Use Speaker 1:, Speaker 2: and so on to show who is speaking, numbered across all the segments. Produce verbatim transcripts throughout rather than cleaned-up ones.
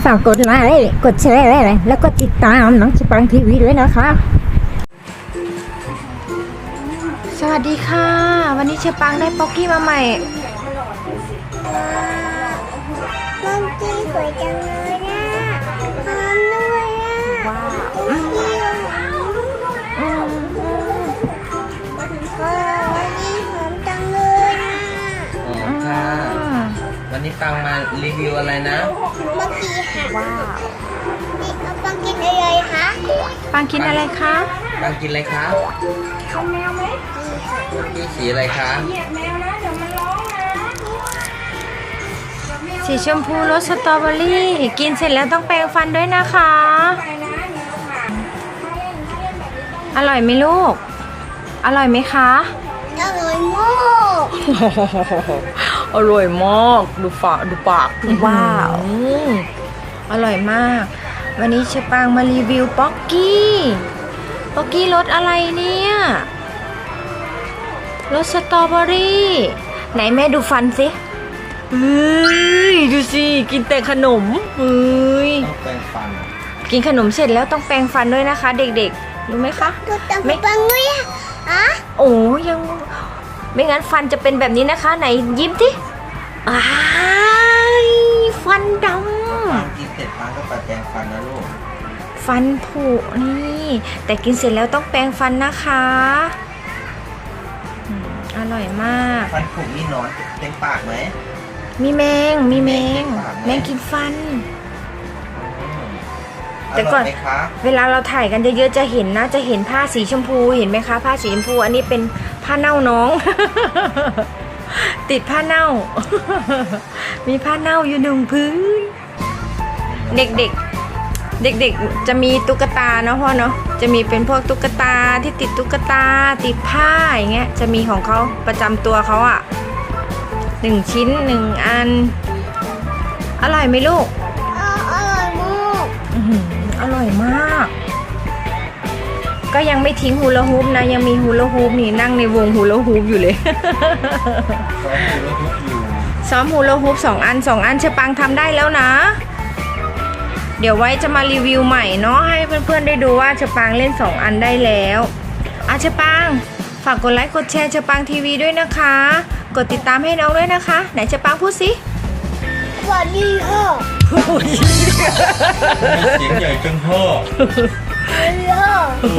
Speaker 1: ากกดไลค์กดแชร์แล้วก็ติดตามน้องสปังทีวีด้วยนะคะ
Speaker 2: สวัสดีค่ะวันนี้เชปังได้ป๊อกกี้มาใหม่
Speaker 3: ป๊อกกี้สวยจังเลยนะหอมด้วยอ่ะ
Speaker 2: ว้าว
Speaker 3: อืมอืมว้าววันนี้หอมจังเลยนะ
Speaker 4: อ๋อค่ะวันนี้ปังมารีวิวอะไรนะ
Speaker 3: ป๊อกกี้ค่ะ
Speaker 2: ว้าว
Speaker 3: นี่เอาปังกินอะไรคะ
Speaker 2: ปังกินอะไรคะ
Speaker 4: ปังกินอะไรคะ
Speaker 3: เอาแมวไหม
Speaker 4: พี่สีอะไรคะ
Speaker 2: สีชมพูรสสตรอเบอรี่กินเสร็จแล้วต้องแปรงฟันด้วยนะคะอร่อยไหมลูกอร่อยไหมคะ
Speaker 3: อร่อยมาก
Speaker 2: อร่อยมากดูฝาดูปากว้าวอร่อยมากวันนี้เชปังมารีวิวป๊อกกี้ป๊อกกี้รสอะไรเนี่ยรสสตรอเบอรี่ไหนแม่ดูฟันสิเฮ้ยดูสิกินแต่ขนมเฮ้ย
Speaker 4: ต้องแปรงฟัน
Speaker 2: กินขนมเสร็จแล้วต้องแปรงฟันด้วยนะคะเด็กๆรู้ไหมคะ
Speaker 3: ดูตาปังด้วยอ่ะ
Speaker 2: โอ้ยังไม่งั้นฟันจะเป็นแบบนี้นะคะไหนยิ้มที่อ้ายฟันด
Speaker 4: ำกินเสร็จปังก็ไปแปรงฟันนะลูก
Speaker 2: ฟันผุนี่แต่กินเสร็จแล้วต้องแปรงฟันนะคะอร่อยมาก
Speaker 4: ฟันผุนี่นอนเต็มปากไหม
Speaker 2: มีแมงมีแมงแมงกินฟันแต่ก่อนเวลาเราถ่ายกันเยอะๆจะเห็นนะจะเห็นผ้าสีชมพูเห็นไหมคะผ้าสีชมพูอันนี้เป็นผ้าเน่าน้อง ติดผ้าเน่า มีผ้าเน่าอยู่หนึ่งพื้นเด็กๆเด็กๆจะมีตุ๊กตาเนาะพ่อเนาะจะมีเป็นพวกตุ๊กตาที่ติดตุ๊กตาติดผ้าอย่างเงี้ยจะมีของเขาประจำตัวเขาอะหนึ่งชิ้นหนึ่งอันอร่อยไหมลูก
Speaker 3: อร่อยมาก
Speaker 2: อร่อยมากก็ยังไม่ทิ้งฮูลาฮูปนะยังมีฮูลาฮูปนี่นั่งในวงฮูลาฮูปอยู่เลยซ้อมฮูลาฮูปสองอันสองอันเชปังทำได้แล้วนะเดี๋ยวไว้จะมารีวิวใหม่เนาะให้เพื่อนๆได้ดูว่าเชปังเล่นสองอันได้แล้วอ่ะเชปังฝากกดไลค์กดแชร์เชปังทีวีด้วยนะคะกดติดตามให้น้องด้วยนะคะไหนเชปังพูดสิ
Speaker 3: สวัสดีค่ะ
Speaker 4: เสียงใหญ่จังพ่อ
Speaker 3: สวัสดีค่ะ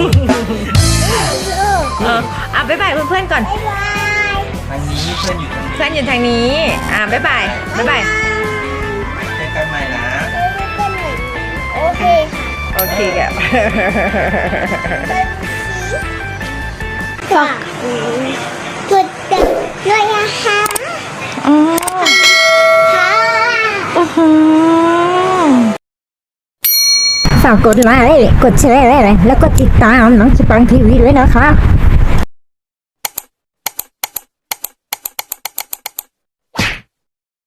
Speaker 2: เอออ่ะบ๊ายบายเพื่อนๆก่อน
Speaker 3: บ๊ายบาย
Speaker 4: ทางนี้เพื่อนอยู่ทางนี้
Speaker 2: เพื่อนอยู่ทางนี้อ่ะบ๊ายบายบ๊ายบาย
Speaker 4: เจอกันใหม่นะ
Speaker 3: โอเค
Speaker 2: โอเคครับ
Speaker 3: ฝากกดติดด้วยนะคะ
Speaker 2: อ๋อ
Speaker 3: ค่ะ
Speaker 2: โอ้โห
Speaker 1: ฝากกดไลค์กดแชร์แล้วก็ติดตามน้องสปังทีวีด้วยนะคะ